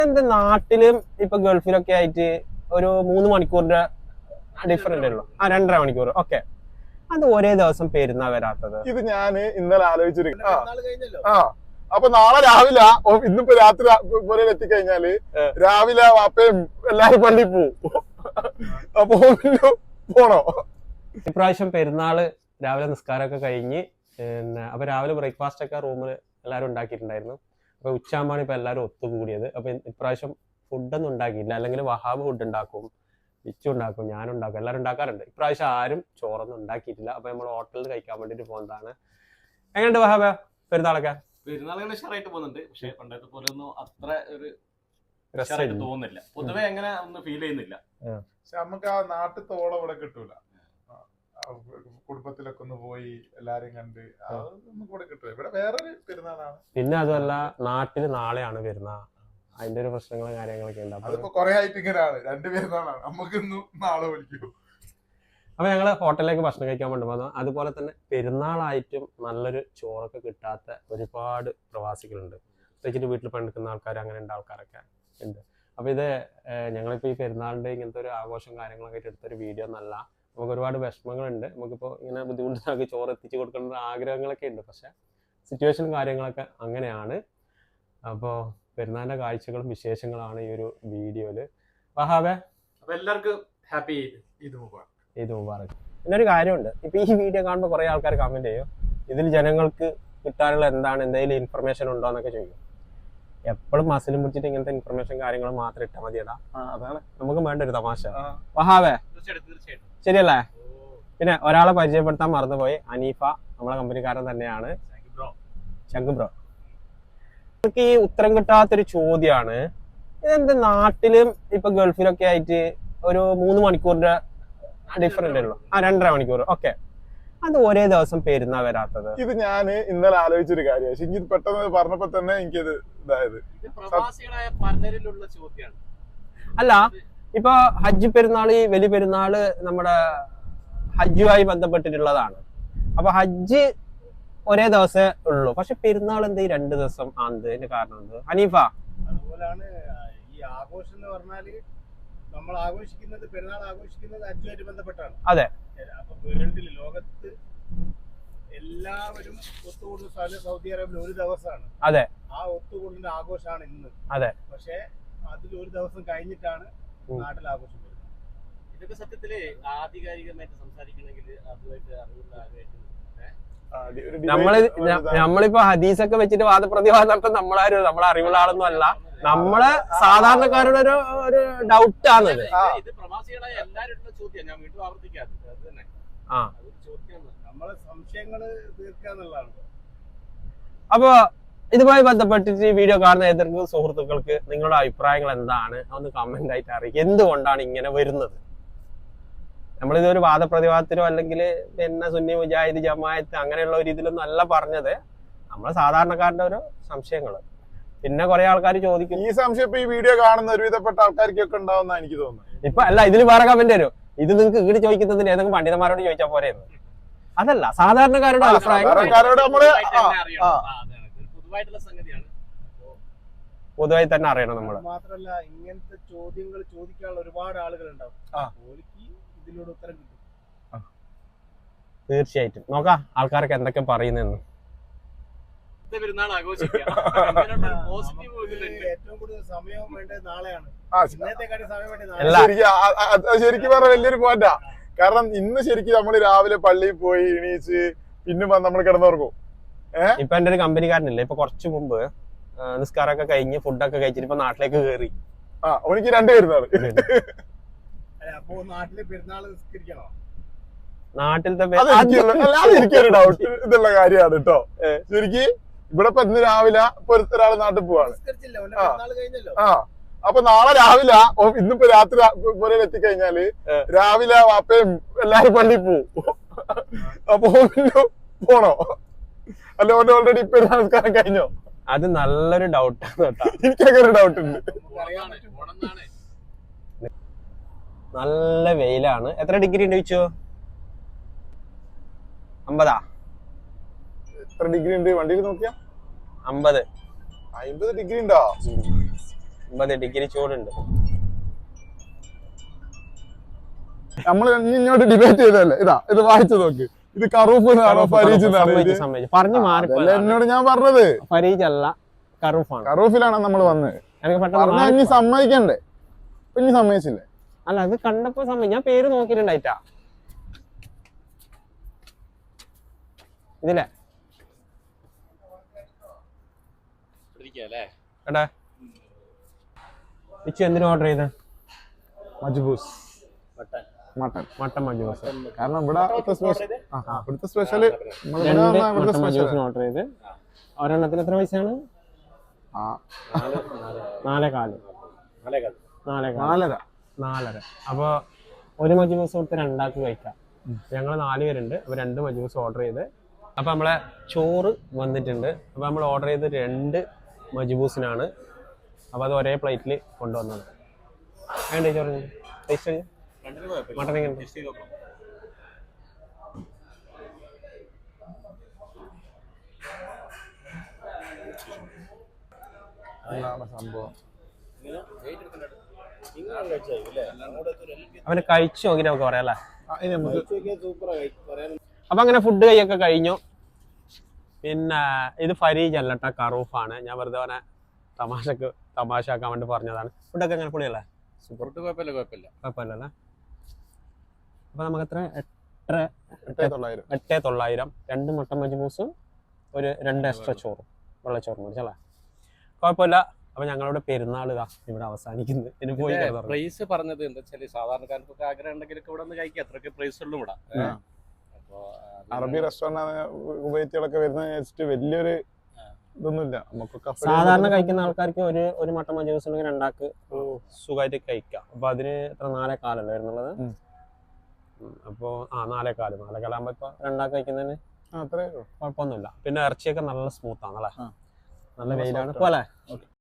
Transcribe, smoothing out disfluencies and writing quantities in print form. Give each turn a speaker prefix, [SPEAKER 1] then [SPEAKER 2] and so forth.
[SPEAKER 1] എന്റെ നാട്ടിലും ഇപ്പൊ ഗൾഫിലൊക്കെ ആയിട്ട് ഒരു 3 മണിക്കൂറിന്റെ ഡിഫറൻറ്റ് ഉള്ളു. 2.5 മണിക്കൂർ. ഓക്കെ, അത് ഒരേ ദിവസം പെരുന്നാ വരാത്തത്?
[SPEAKER 2] ഇത് ഞാന് ഇന്നലെ ആലോചിച്ചിരിക്കും. അപ്പൊ നാളെ രാവിലെ ഇന്നിപ്പോ രാത്രി പോലെ എത്തിക്കഴിഞ്ഞാല് രാവിലെ വാപ്പയും എല്ലാരും പള്ളി പോവും. അപ്പൊ പോണോ?
[SPEAKER 1] ഇപ്രാവശ്യം പെരുന്നാള് രാവിലെ നിസ്കാരമൊക്കെ കഴിഞ്ഞ് അപ്പൊ രാവിലെ ബ്രേക്ക്ഫാസ്റ്റ് ഒക്കെ റൂമിൽ എല്ലാവരും ഉണ്ടാക്കിയിട്ടുണ്ടായിരുന്നു. അപ്പൊ ഉച്ചയാകുമ്പോഴാണ് ഇപ്പൊ എല്ലാവരും ഒത്തുകൂടിയത്. അപ്പൊ ഇപ്രാവശ്യം ഫുഡൊന്നും ഉണ്ടാക്കിയില്ല. അല്ലെങ്കിൽ വഹാബ് ഫുഡ് ഉണ്ടാക്കും, ഇച്ചു ഉണ്ടാക്കും, ഞാനുണ്ടാക്കും, എല്ലാവരും ഉണ്ടാക്കാറുണ്ട്. ഇപ്രാവശ്യം ആരും ചോറൊന്നും ഉണ്ടാക്കിയിട്ടില്ല. അപ്പൊ നമ്മൾ ഹോട്ടലിൽ കഴിക്കാൻ വേണ്ടിട്ട് പോകുന്നതാണ്. എങ്ങനെയുണ്ട് വഹാബ പെരുന്നാളൊക്കെ?
[SPEAKER 3] പെരുന്നാളുകൾ ഉഷാറായിട്ട് പോകുന്നുണ്ട്. പക്ഷെ പണ്ടത്തെ പോലെ ഒന്നും അത്ര ഒരു രസമായിട്ട് തോന്നുന്നില്ല. പൊതുവെ എങ്ങനെ ഒന്നും ഫീൽ ചെയ്യുന്നില്ല.
[SPEAKER 2] പക്ഷെ നമുക്ക് ആ നാട്ടിത്തോളം ഇവിടെ കിട്ടൂല. കുടുംബത്തിലൊക്കെ ഒന്ന് പോയി എല്ലാരും കണ്ട് അതൊന്നും കൂടെ കിട്ടൂല. ഇവിടെ വേറൊരു പെരുന്നാളാണ്.
[SPEAKER 1] പിന്നെ അതുമല്ല, നാട്ടില് നാളെയാണ് പെരുന്നാൾ. അതിന്റെ ഒരു പ്രശ്നങ്ങളും കാര്യങ്ങളൊക്കെ ഉണ്ട്.
[SPEAKER 2] അതിപ്പോ കുറെ ആയിട്ട് ഇങ്ങനെയാണ്, 2 പെരുന്നാളാണ്. നമുക്കിന്നും നാളെ വിളിക്കും.
[SPEAKER 1] അപ്പൊ ഞങ്ങള് ഹോട്ടലിലേക്ക് ഭക്ഷണം കഴിക്കാൻ വേണ്ടി വന്നു. അതുപോലെ തന്നെ പെരുന്നാളായിട്ടും നല്ലൊരു ചോറൊക്കെ കിട്ടാത്ത ഒരുപാട് പ്രവാസികളുണ്ട്. പ്രത്യേകിച്ച് വീട്ടിൽ പണിയെടുക്കുന്ന ആൾക്കാർ, അങ്ങനെയുള്ള ആൾക്കാരൊക്കെ ഉണ്ട്. അപ്പൊ ഇത് ഞങ്ങളിപ്പോ ഈ പെരുന്നാളിന്റെ ഇങ്ങനത്തെ ഒരു ആഘോഷം കാര്യങ്ങളൊക്കെ ആയിട്ട് എടുത്തൊരു വീഡിയോ എന്നല്ല. നമുക്ക് ഒരുപാട് വിഷമങ്ങളുണ്ട്. നമുക്കിപ്പോ ഇങ്ങനെ ബുദ്ധിമുട്ടാക്കി ചോറ് എത്തിച്ചു കൊടുക്കേണ്ട ആഗ്രഹങ്ങളൊക്കെ ഉണ്ട്. പക്ഷെ സിറ്റുവേഷനും കാര്യങ്ങളൊക്കെ അങ്ങനെയാണ്. അപ്പോൾ പെരുന്നാളിന്റെ കാഴ്ചകളും വിശേഷങ്ങളാണ് ഈ ഒരു വീഡിയോയില്. വഹാബേ,
[SPEAKER 3] അപ്പൊ എല്ലാവർക്കും ഹാപ്പി ഈദ് മുബാറക്.
[SPEAKER 1] ഈദ് മുബാറക്. പിന്നൊരു കാര്യമുണ്ട്, ഇപ്പൊ ഈ വീഡിയോ കാണുമ്പോൾ കുറെ ആൾക്കാർ കമന്റ് ചെയ്യും, ഇതിൽ ജനങ്ങൾക്ക് കിട്ടാനുള്ള എന്താണ്, എന്തെങ്കിലും ഇൻഫർമേഷൻ ഉണ്ടോ എന്നൊക്കെ ചോദിക്കും. എപ്പോഴും മസിലും പിടിച്ചിട്ട് ഇങ്ങനത്തെ ഇൻഫർമേഷൻ കാര്യങ്ങൾ മാത്രം ഇട്ടാൽ മതിയടാ. അതാണ് നമുക്ക് വേണ്ട ഒരു തമാശ. വഹാബേ,
[SPEAKER 3] തീർച്ചയായിട്ടും
[SPEAKER 1] ശരിയല്ലേ? പിന്നെ ഒരാളെ പരിചയപ്പെടുത്താൻ മറന്നുപോയി. അനീഫ നമ്മളെ കമ്പനിക്കാരൻ തന്നെയാണ്. ശങ്കു ബ്രോ. നമുക്ക് ഈ ഉത്തരം കിട്ടാത്തൊരു ചോദ്യമാണ്, ഇതെന്ത് നാട്ടിലും ഇപ്പൊ ഗൾഫിലൊക്കെ ആയിട്ട് ഒരു 3 മണിക്കൂറിന്റെ ഡിഫറൻറ്റ് ഉള്ളു. 2.5 മണിക്കൂർ. ഓക്കെ, അത് ഒരേ ദിവസം പെരുന്നാ വരാത്തത്?
[SPEAKER 2] ഇത് ഞാന് ഇന്നലെ ആലോചിച്ചൊരു കാര്യമാണ്. പക്ഷെ എനിക്ക് പെട്ടെന്ന് പറഞ്ഞപ്പോ തന്നെ എനിക്കത് ഇതായത്.
[SPEAKER 1] അല്ല, ഇപ്പൊ ഹജ്ജ് പെരുന്നാള്, വലിയ പെരുന്നാള് നമ്മുടെ ഹജ്ജുമായി ബന്ധപ്പെട്ടിട്ടുള്ളതാണ്. അപ്പൊ ഹജ്ജ് ഒരേ ദിവസമേ ഉള്ളൂ. പക്ഷെ പെരുന്നാൾ എന്ത് 2 ദിവസം ആണെന്ന് കാരണം എന്ത്? ഹനീഫ,
[SPEAKER 4] അതുപോലാണ് ഈ ആഘോഷം എന്ന് പറഞ്ഞാല് നമ്മൾ ആഘോഷിക്കുന്നത്, പെരുന്നാൾ ആഘോഷിക്കുന്നത് ഹജ്ജുമായിട്ട് ബന്ധപ്പെട്ടാണ്.
[SPEAKER 1] അതെ.
[SPEAKER 4] അപ്പൊ വേൾഡിൽ, ലോകത്ത് എല്ലാവരും ഒത്തുകൂടുന്ന സ്ഥലം സൗദി അറേബ്യയിൽ ഒരു ദിവസമാണ്.
[SPEAKER 1] അതെ.
[SPEAKER 4] ആ ഒത്തുകൂടുന്ന ആഘോഷമാണ് ഇന്ന്.
[SPEAKER 1] അതെ.
[SPEAKER 4] പക്ഷെ അതിൽ ഒരു ദിവസം കഴിഞ്ഞിട്ടാണ് നാട്ടിൽ ആഘോഷം വരുന്നത്.
[SPEAKER 3] ഇതൊക്കെ സത്യത്തില് ആധികാരികമായിട്ട് സംസാരിക്കണമെങ്കിൽ അതുമായിട്ട് അറിവുള്ള ആരുമായിട്ട്
[SPEAKER 1] നമ്മളിപ്പോ ഹദീസൊക്കെ വെച്ചിട്ട് വാദപ്രതിവാദം നടത്താൻ നമ്മളെ അറിവുള്ള ആളൊന്നും അല്ല. നമ്മളെ സാധാരണക്കാരുടെ ഒരു ഡൗട്ട് ആണത്.
[SPEAKER 3] ഇത് പ്രവാസികളായ എല്ലാവരും ചോദ്യം, ഞാൻ വീണ്ടും ആവർത്തിക്കാതെ അത് തന്നെ.
[SPEAKER 4] നമ്മളെ സംശയങ്ങള് തീർക്കാന്നുള്ളതാണ്.
[SPEAKER 1] അപ്പൊ ഇതുമായി ബന്ധപ്പെട്ടിട്ട് ഈ വീഡിയോ കാണുന്ന ഏതെങ്കിലും സുഹൃത്തുക്കൾക്ക് നിങ്ങളുടെ അഭിപ്രായങ്ങൾ എന്താണ് ഒന്ന് കമന്റ് ആയിട്ട് അറിയിക്കുക. എന്തുകൊണ്ടാണ് ഇങ്ങനെ വരുന്നത്? നമ്മളിതൊരു വാദപ്രതിവാദത്തിനോ അല്ലെങ്കിൽ പിന്നെ സുന്നി മുജാഹിദ് ജമാഅത്ത് അങ്ങനെയുള്ള ഒരു ഇതിലൊന്നും അല്ല പറഞ്ഞത്. നമ്മളെ സാധാരണക്കാരുടെ ഒരു സംശയങ്ങള്. പിന്നെ കുറെ ആൾക്കാർ ചോദിക്കും,
[SPEAKER 2] ഈ സംശയം ഇപ്പൊ ഈ വീഡിയോ കാണുന്ന ഒരുവിധപ്പെട്ട ആൾക്കാർക്കൊക്കെ ഉണ്ടാവുന്ന എനിക്ക് തോന്നുന്നു.
[SPEAKER 1] ഇപ്പൊ അല്ല, ഇതിൽ വേറെ കമന്റ് വരും, ഇത് നിങ്ങൾക്ക് ഈട് ചോദിക്കുന്നതിന് ഏതെങ്കിലും പണ്ഡിതന്മാരോട് ചോദിച്ചാൽ പോരെയെന്ന്. അതല്ല, സാധാരണക്കാരുടെ അഭിപ്രായങ്ങൾ പൊതുവായി തന്നെ അറിയണം. നമ്മള്
[SPEAKER 4] മാത്രല്ല, ഇങ്ങനത്തെ ചോദ്യങ്ങൾ ചോദിക്കാനുള്ള ഒരുപാട് ആളുകൾ ഉണ്ടാവും. ഇതിലൂടെ ഉത്തരം കിട്ടും.
[SPEAKER 1] തീർച്ചയായിട്ടും നോക്കാം ആൾക്കാരൊക്കെ എന്തൊക്കെ പറയുന്നെന്ന്.
[SPEAKER 4] ഏറ്റവും കൂടുതൽ സമയം വേണ്ടത് നാളെയാണ്.
[SPEAKER 2] ശരിക്കും പറഞ്ഞ വലിയൊരു പോയിന്റാ. കാരണം ഇന്ന് ശരിക്കും നമ്മള് രാവിലെ പള്ളിയിൽ പോയി എണീച്ച് പിന്നെ നമ്മൾ കിടന്നുറങ്ങും.
[SPEAKER 1] ഇപ്പൊ എന്റെ ഒരു കമ്പനിക്കാരനില്ലേ, ഇപ്പൊ കുറച്ചു മുമ്പ് നിസ്കാരമൊക്കെ കഴിഞ്ഞ് ഫുഡൊക്കെ കഴിച്ചിട്ട് ഇപ്പൊ നാട്ടിലേക്ക് കയറി.
[SPEAKER 2] എനിക്ക് 2 പെരുന്നാള്.
[SPEAKER 4] അപ്പൊ നാട്ടില് പെരുന്നാള് നിസ്കരിക്കണോ?
[SPEAKER 1] നാട്ടിലത്തെ
[SPEAKER 2] എനിക്കൊരു ഡൗട്ട് ഇതുള്ള കാര്യമാണ് കേട്ടോ. ശരിക്ക് ഇവിടെ ഇപ്പൊ ഇന്ന് രാവിലെ ഇപ്പൊ ഒരാള് നാട്ടിൽ പോവാണ്. അപ്പൊ നാളെ രാവിലെ ഇന്നിപ്പോ രാത്രി പോലെ എത്തിക്കഴിഞ്ഞാല് രാവിലെ വാപ്പയും എല്ലാരും പള്ളി പോവും. അപ്പൊ പോണോ? അല്ല, ഓൾറെഡി ഇപ്പൊ നമസ്കാരം കഴിഞ്ഞോ?
[SPEAKER 1] അത് നല്ലൊരു ഡൗട്ടാണ് കേട്ടോ.
[SPEAKER 2] എനിക്കങ്ങനെ ഡൗട്ട് ഉണ്ട്.
[SPEAKER 1] നല്ല വെയിലാണ്. എത്ര ഡിഗ്രി ഉണ്ട് ചോദിച്ചോ? 50.
[SPEAKER 2] എത്ര ഡിഗ്രി ഉണ്ട് വണ്ടിയിൽ നോക്കിയാ?
[SPEAKER 1] 50
[SPEAKER 2] ഡിഗ്രി ഉണ്ടോ?
[SPEAKER 1] 50 ഡിഗ്രി ചൂടുണ്ട്.
[SPEAKER 2] നമ്മള് ഇങ്ങോട്ട് ഡിബേറ്റ് ചെയ്തല്ലേ, ഇതാ ഇത് വായിച്ചു നോക്ക്. ഇത് കറൂഫ് എന്നാണോ ഫരീജ് എന്നാണോ?
[SPEAKER 1] പറഞ്ഞു മാറി.
[SPEAKER 2] എന്നോട് ഞാൻ പറഞ്ഞത്
[SPEAKER 1] ഫരീജ് അല്ല, കറൂഫാണ്.
[SPEAKER 2] കറൂഫിലാണ് നമ്മൾ വന്നത്.
[SPEAKER 1] എനിക്ക്
[SPEAKER 2] പറഞ്ഞാ
[SPEAKER 1] പെട്ടെന്ന്
[SPEAKER 2] ഇനി സമ്മതിക്കണ്ടേ? ഇനി സമ്മതിച്ചില്ലേ?
[SPEAKER 1] അല്ല, അത് കണ്ടപ്പോ ഞാൻ പേര് നോക്കിയിട്ടുണ്ടായിട്ടാ ഇതിലെ. എടാ ഇച്ചു എന്തിനു ഓർഡർ ചെയ്ത?
[SPEAKER 2] മജ്ബൂസ് മട്ടൻ
[SPEAKER 1] മജ്ബൂസ്.
[SPEAKER 2] കാരണം ഇവിടുത്തെ സ്പെഷ്യല്
[SPEAKER 1] ഓർഡർ ചെയ്ത് ഒരെണ്ണത്തിന് എത്ര പൈസയാണ്? 4.25. അപ്പൊ ഒരു മജ്ബൂസ് കൊടുത്ത് 2 ആൾക്ക് കഴിക്കാം. ഞങ്ങൾ 4 പേരുണ്ട്. അപ്പൊ 2 മജ്ബൂസ് ഓർഡർ ചെയ്ത്. അപ്പൊ നമ്മളെ ചോറ് വന്നിട്ടുണ്ട്. അപ്പൊ നമ്മൾ ഓർഡർ ചെയ്ത് 2 മജ്ബൂസിനാണ്. അപ്പൊ അത് ഒരേ പ്ലേറ്റിൽ കൊണ്ടുവന്നത്. വേണ്ട ചോറ് ടേസ്റ്റ് മട്ടൻ എങ്ങനെ?
[SPEAKER 2] സംഭവം
[SPEAKER 1] അവന് കഴിച്ചു നോക്കിട്ട് നമുക്ക് പറയാല്ലേ. അപ്പൊ അങ്ങനെ ഫുഡ് കൈയൊക്കെ കഴിഞ്ഞു. പിന്നെ ഇത് ഫരീജ് അല്ലട്ട, കറൂഫാണ്. ഞാൻ വെറുതെ അവനെ തമാശാക്കാൻ വേണ്ടി പറഞ്ഞതാണ്. ഫുഡൊക്കെ അങ്ങനെ പൊളിയല്ലേ? കുഴപ്പമില്ലല്ലേ? അപ്പൊ നമുക്ക് എത്ര? 8,900. 2 മട്ടൻ മജ്ബൂസും 2 എക്സ്ട്രാ ചോറും വെള്ളച്ചോറും മേടിച്ചല്ലേ? കുഴപ്പമില്ല. അപ്പൊ ഞങ്ങളുടെ പെരുന്നാൾ ഇതാ ഇവിടെ അവസാനിക്കുന്നത്. ഇനി പോയി
[SPEAKER 3] പ്രൈസ് പറഞ്ഞത് എന്താ വെച്ചാല് സാധാരണക്കാർക്കൊക്കെ ആഗ്രഹം ഉണ്ടെങ്കിൽ ഇവിടെ ഒന്ന് കഴിക്കാം. അത്രയൊക്കെ പ്രൈസ് ഉള്ളൂ ഇവിടെ.
[SPEAKER 2] അറബി റെസ്റ്റോറന്റ് ഉപയോഗിച്ചുകളൊക്കെ വരുന്ന വലിയൊരു ഇതൊന്നുമില്ല. നമുക്കൊക്കെ
[SPEAKER 1] സാധാരണ കഴിക്കുന്ന ആൾക്കാർക്ക് ഒരു മട്ടൻ മജ്ബൂസ് ഉണ്ടെങ്കിൽ 2 ആൾക്ക് സുഖമായിട്ട് കഴിക്കാം. അപ്പൊ അതിന് എത്ര 4.25 വരുന്നുള്ളത്. അപ്പോ 4.25 ആകുമ്പോ ഇപ്പൊ 2 ആൾക്ക് കഴിക്കുന്നതിന് കുഴപ്പമൊന്നുമില്ല. പിന്നെ ഇറച്ചിയൊക്കെ നല്ല സ്മൂത്ത് ആണല്ലേ? നല്ല വെയിലാണ് പോലെ.